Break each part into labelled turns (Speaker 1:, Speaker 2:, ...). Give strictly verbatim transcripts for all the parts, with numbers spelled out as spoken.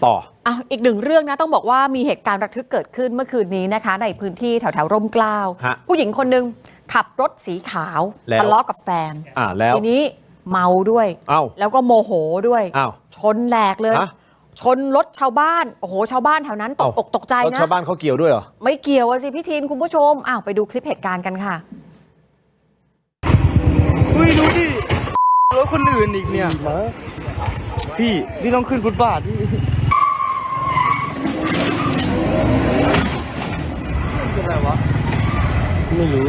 Speaker 1: ต่อ
Speaker 2: อ่ะอีกหนึ่งเรื่องนะต้องบอกว่ามีเหตุการณ์ระทึกเกิดขึ้นเมื่อคืนนี้นะคะในพื้นที่แถวแถวร่มเกล้าผู้หญิงคนหนึ่งขับรถสีขาวทะเลาะกับแฟน
Speaker 1: อ่าแล้ว
Speaker 2: ทีนี้เมาด้วยแล้วก็โมโหด้วยชนแหลกเลยชนรถชาวบ้านโอ้โหชาวบ้านแถวนั้นตกอกตกใจนะ
Speaker 1: ชาวบ้านเขาเกี่ยวด้วยเหรอ
Speaker 2: ไม่เกี่ยวสิพี่ทีนคุณผู้ชมอ้าวไปดูคลิปเหตุการณ์กันค่ะ
Speaker 3: เฮ้ยดูดิรถคนอื่นอีกเนี่ยพี่พี่ต้องขึ้นฟุตบาทพี่เป็นอะไรวะไม่รู้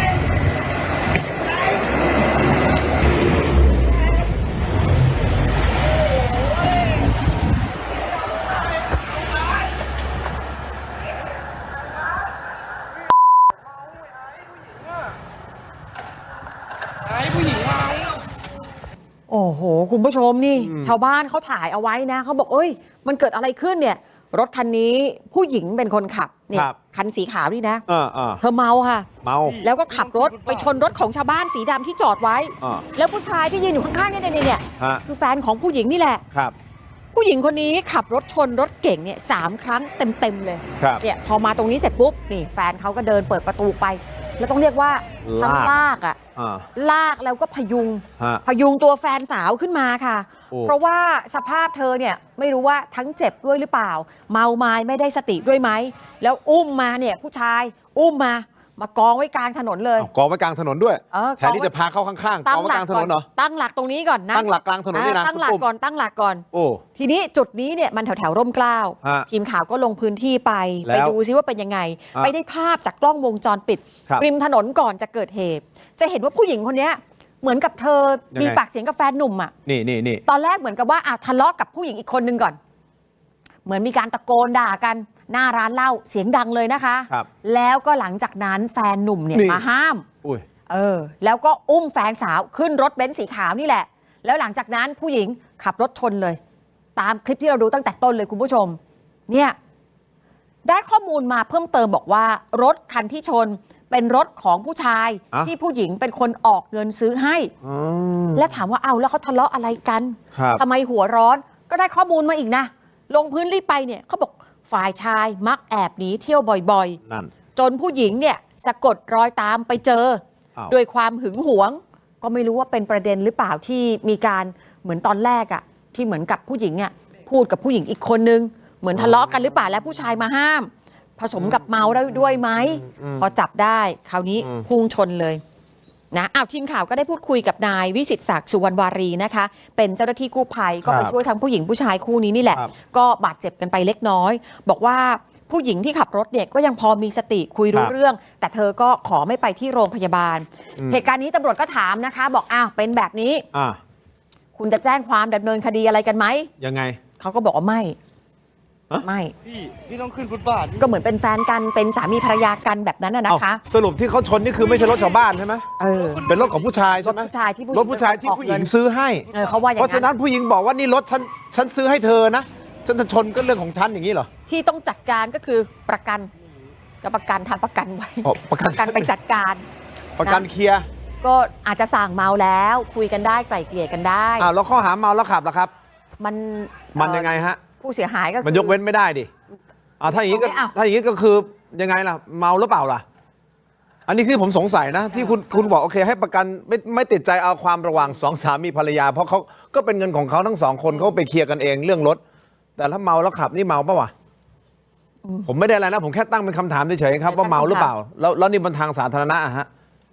Speaker 2: โอ้โหคุณผู้ชมนี่ชาวบ้านเขาถ่ายเอาไว้นะเขาบอกเอ้ยมันเกิดอะไรขึ้นเนี่ยรถคันนี้ผู้หญิงเป็นคนขับเนี่ยคันสีขาวนี่นะเธอเมาค่ะ
Speaker 1: เมา
Speaker 2: แล้วก็ขับรถไปชนรถของชาวบ้านสีดำที่จอดไว้แล้วผู้ชายที่ยืนอยู่ข้างๆเนี่ยเนี่ยเนี่ยคือแฟนของผู้หญิงนี่แหละ
Speaker 1: ครับ
Speaker 2: ผู้หญิงคนนี้ขับรถชนรถเก่งเนี่ยสามครั้งเต็มๆเลยเนี่ยพอมาตรงนี้เสร็จปุ๊บนี่แฟนเขาก็เดินเปิดประตูไปแล้วต้องเรียกว่าทั้งลากอ่ะลากแล้วก็พยุงพยุงตัวแฟนสาวขึ้นมาค่ะเพราะว่าสภาพเธอเนี่ยไม่รู้ว่าทั้งเจ็บด้วยหรือเปล่าเมาไม้ไม่ได้สติด้วยไหมแล้วอุ้มมาเนี่ยผู้ชายอุ้มมามากองไว้กลางถนนเลย
Speaker 1: กองไว้กลางถนนด้วยแทนที่จะพาเข้าข้างๆกองไว้กลางถนนเหรอ
Speaker 2: ตั้งหลักตรงนี้ก่อนนะ
Speaker 1: ตั้งหลักกลางถนนนี่นะ
Speaker 2: ตั้งหลักก่อนตั้งหลักก่อนโอ้ทีนี้จุดนี้เนี่ยมันแถวแถวร่มเกล้าทีมข่าวก็ลงพื้นที่ไปไปดูซิว่าเป็นยังไงไปได้ภาพจากกล้องวงจรปิดริมถนนก่อนจะเกิดเหตุจะเห็นว่าผู้หญิงคนนี้เหมือนกับเธอมีปากเสียงกับแฟนหนุ่มอ่ะ
Speaker 1: นี่นี่นี่
Speaker 2: ตอนแรกเหมือนกับว่าอ่ะทะเลาะกับผู้หญิงอีกคนนึงก่อนเหมือนมีการตะโกนด่ากันหน้าร้านเหล้าเสียงดังเลยนะคะแล้วก็หลังจากนั้นแฟนหนุ่มเนี่ยมาห้ามเออแล้วก็อุ้มแฟนสาวขึ้นรถเบนซ์สีขาวนี่แหละแล้วหลังจากนั้นผู้หญิงขับรถชนเลยตามคลิปที่เราดูตั้งแต่ต้นเลยคุณผู้ชมเนี่ยได้ข้อมูลมาเพิ่มเติมบอกว่ารถคันที่ชนเป็นรถของผู้ชายที่ผู้หญิงเป็นคนออกเงินซื้อให้และถามว่าเอาแล้วเขาทะเลาะอะไรกันทำไมหัวร้อนก็ได้ข้อมูลมาอีกนะลงพื้นที่ไปเนี่ยเขาบอกฝ่ายชายมักแอบหนีเที่ยวบ่อยๆจนผู้หญิงเนี่ยสะกดรอยตามไปเจอโดยความหึงหวงก็ไม่รู้ว่าเป็นประเด็นหรือเปล่าที่มีการเหมือนตอนแรกอะที่เหมือนกับผู้หญิงเนี่ยพูดกับผู้หญิงอีกคนนึงเหมือนทะเลาะกันหรือเปล่าแล้วผู้ชายมาห้ามผสมกับเมาได้ด้วยไหมพอจับได้คราวนี้พุ่งชนเลยนะอ้าวทีมข่าวก็ได้พูดคุยกับนายวิสิตศักดิ์สุวรรณวารีนะคะเป็นเจ้าหน้าที่กู้ภัยก็ไปช่วยทั้งผู้หญิงผู้ชายคู่นี้นี่แหละก็บาดเจ็บกันไปเล็กน้อยบอกว่าผู้หญิงที่ขับรถเนี่ยก็ยังพอมีสติคุยรู้เรื่องแต่เธอก็ขอไม่ไปที่โรงพยาบาลเหตุการณ์นี้ตำรวจก็ถามนะคะบอกอ้าวเป็นแบบนี้คุณจะแจ้งความดำเนินคดีอะไรกันไหม
Speaker 1: ยังไง
Speaker 2: เขาก็บอกว่าไม่ไม่
Speaker 3: พี่พี่ต้องขึ้นฟุตบาท
Speaker 2: ก็เหมือนเป็นแฟนกันเป็นสามีภรรยากันแบบนั้นนะคะ
Speaker 1: สรุปที่เขาชนนี่คือไม่ใช่รถชาวบ้านใช่ไหม
Speaker 2: เออ
Speaker 1: เป็นรถของผู้ชายใช่ไหม
Speaker 2: รถผู้ชายที่
Speaker 1: รถผู้ชายที่ผู้หญิงซื้อให้
Speaker 2: เออเขาว่าอย่างนั้น
Speaker 1: เพราะฉะนั้นผู้หญิงบอกว่านี่รถฉันฉันซื้อให้เธอนะฉันจะชนก็เรื่องของฉันอย่างนี้เหรอ
Speaker 2: ที่ต้องจัดการก็คือประกันกับประกันทำประกันไว้
Speaker 1: ประกัน
Speaker 2: ไปจัดการ
Speaker 1: ประกันเคลียร์
Speaker 2: ก็อาจจะสั่งเมาแล้วคุยกันได้ไกล่เกลี่ยกันได้
Speaker 1: อ้าวแล้วข้อหาเมาแล้วขับล่ะครับ
Speaker 2: มัน
Speaker 1: มันยังไงฮะ
Speaker 2: ผู้เสียหายก็
Speaker 1: มันยกเว้นไม่ได้ดิอ่าถ้าอย่างนี้ก็ถ้าอย่างนี้ก็คือยังไงล่ะเมาหรือเปล่าล่ะอันนี้คือผมสงสัยนะที่คุณคุณบอกโอเคให้ประกันไม่ไม่ติดใจเอาความระหว่างสองสามีภรรยาเพราะเขาก็เป็นเงินของเขาทั้งสองคนเขาไปเคลียร์กันเองเรื่องรถแต่ถ้าเมาแล้วขับนี่เมาปะวะผมไม่ได้อะไรนะผมแค่ตั้งเป็นคำถามเฉยๆครับว่าเมาหรือเปล่าแล้วแล้วนี่บนทางสาธารณะอะฮะ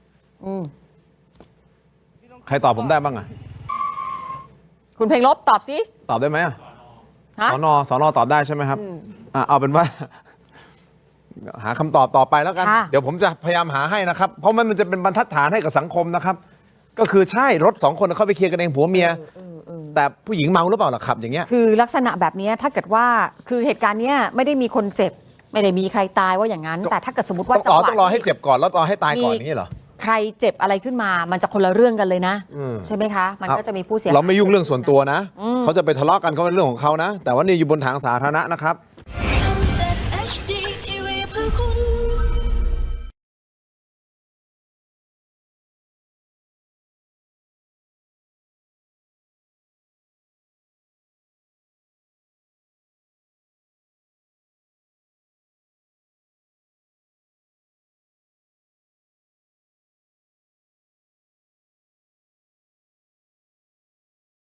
Speaker 1: ใครตอบผมได้บ้างอะ
Speaker 2: คุณเพลงลบตอบสิ
Speaker 1: ตอบได้ไหมอะสนสนตอบได้ใช่ไหมครับอ่าเอาเป็นว่าหาคำตอบต่อไปแล้วกันเดี๋ยวผมจะพยายามหาให้นะครับเพราะมันจะเป็นบรรทัดฐานให้กับสังคมนะครับก็คือใช่รถสองคนเข้าไปเคลียร์กันเองผัวเมียแต่ผู้หญิงเมาหรือเปล่าล่ะขับอย่างเงี้ย
Speaker 2: คือลักษณะแบบนี้ถ้าเกิดว่าคือเหตุการณ์เนี้ยไม่ได้มีคนเจ็บไม่ได้มีใครตายว่าอย่างนั้นแต่ถ้าเกิดสมมติว่า
Speaker 1: จังหวะต้องรอให้เจ็บก่อนแล้วรอให้ตายก่อนอย่างนี้เหรอ
Speaker 2: ใครเจ็บอะไรขึ้นมามันจะคนละเรื่องกันเลยนะใช่ไหมคะมันก็จะมีผู้เสียหาย
Speaker 1: เราไม่ยุ่งเรื่องส่วนตัวนะเขาจะไปทะเลาะกันเขาเป็นเรื่องของเขานะแต่ว่านี่อยู่บนทางสาธารณะนะครับ